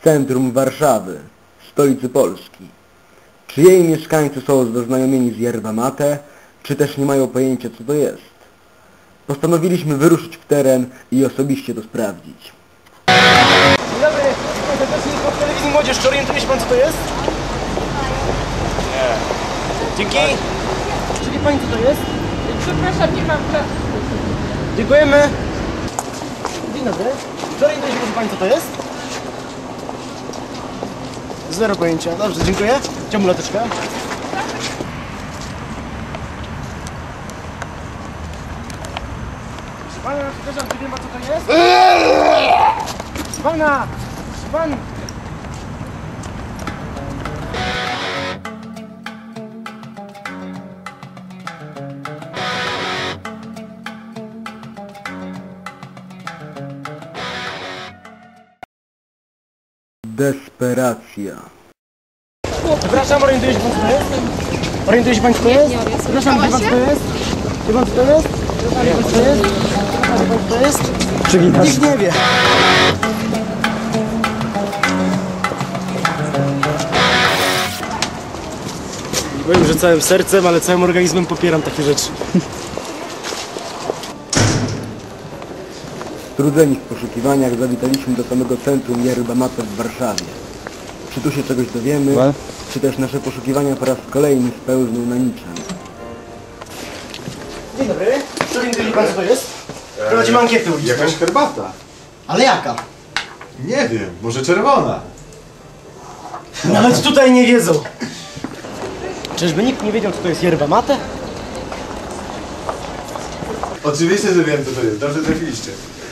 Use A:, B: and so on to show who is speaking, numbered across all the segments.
A: centrum Warszawy, stolicy Polski. Czy jej mieszkańcy są zaznajomieni z yerba mate, czy też nie mają pojęcia, co to jest? Postanowiliśmy wyruszyć w teren i osobiście to sprawdzić.
B: Dzień dobry, serdecznie w telewizji Młodzież. Czy orientuje się pan, co to jest?
C: Nie.
B: Dzięki. Czy wie pani, co to jest?
D: Przepraszam, nie mam czasu.
B: Dziękujemy. Dzień dobry. Czy orientuje się pani, co to jest? Zero pojęcia. Dobrze, dziękuję. Chciałbym lateczkę. Pana, przepraszam, czy wie pan, co to jest? Pana! Pan!
A: Desperacja.
B: Przepraszam, orientuje się pan, co to jest? Orientuje się pan, co to jest? Przepraszam, wie pan, co to jest? Wie pan, co to jest? Wie pan, co to jest? Wie pan, co to jest? Nikt nie wie. Nie powiem, że całym sercem, ale całym organizmem popieram takie rzeczy.
A: Strudzeni w poszukiwaniach zawitaliśmy do samego centrum yerba mate w Warszawie. Czy tu się czegoś dowiemy, czy też nasze poszukiwania po raz kolejny spełzną na niczym.
B: Dzień dobry. Czy orientuje się pan, co to jest? Prowadzimy ankietę uliczną.
C: Jakaś herbata.
B: Ale jaka?
C: Nie wiem, może czerwona.
B: Nawet tutaj nie wiedzą. Czyżby nikt nie wiedział, co to jest yerba mate?
C: Oczywiście, że wiem, co to jest. Dobrze trafiliście.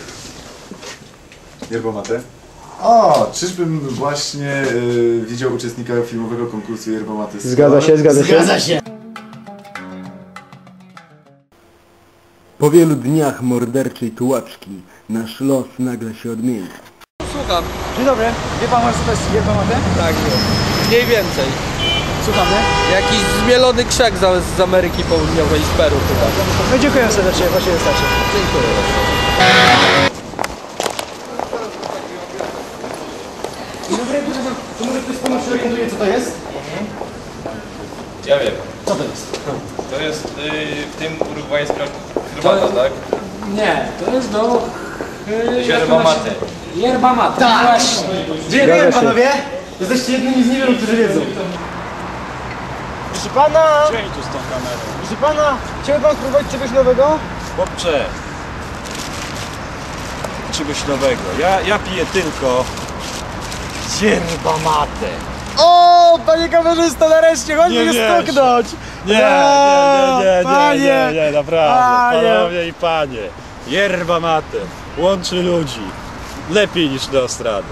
C: Yerba mate? O, czyżbym właśnie widział uczestnika filmowego konkursu yerba mate?
B: Zgadza się.
A: Po wielu dniach morderczej tułaczki nasz los nagle się odmienia.
E: Słucham.
B: Dzień dobry. Wie pan, co to jest yerba mate?
E: Tak, mniej więcej.
B: Słuchamy.
E: Jakiś zmielony krzak z Ameryki Południowej, z Peru chyba.
B: No dziękuję serdecznie, właśnie wystarczy.
E: Dziękuję.
B: Dzień dobry, przepraszam, to może ktoś z pana się orientuje, co to jest?
F: Ja wiem.
B: Co to jest?
F: To jest w tym urugwajska herbata, tak?
D: Nie, to jest do...
F: Yerba mate.
D: Yerba mate.
B: Tak!
D: Właśnie.
B: Dziękuję panowie! Jesteście jednymi z niewielu, którzy wiedzą. Proszę pana!
C: Dzień tu z tą kamerą.
B: Proszę pana! Chciałby pan spróbować czegoś nowego?
C: Chłopcze. Czegoś nowego. Ja piję tylko yerba mate.
B: O, panie kamerzysto, nareszcie, chodźmy
C: Nie
B: je
C: wiesz.
B: stuknąć!
C: Nie, naprawdę.
B: Panie.
C: Panowie i panie. Yerba mate łączy ludzi. Lepiej niż Neostrada.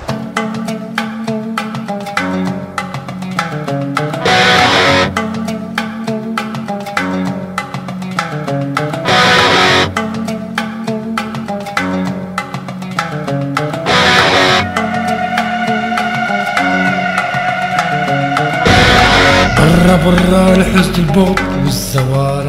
G: برا برا الحزن البوط والزوال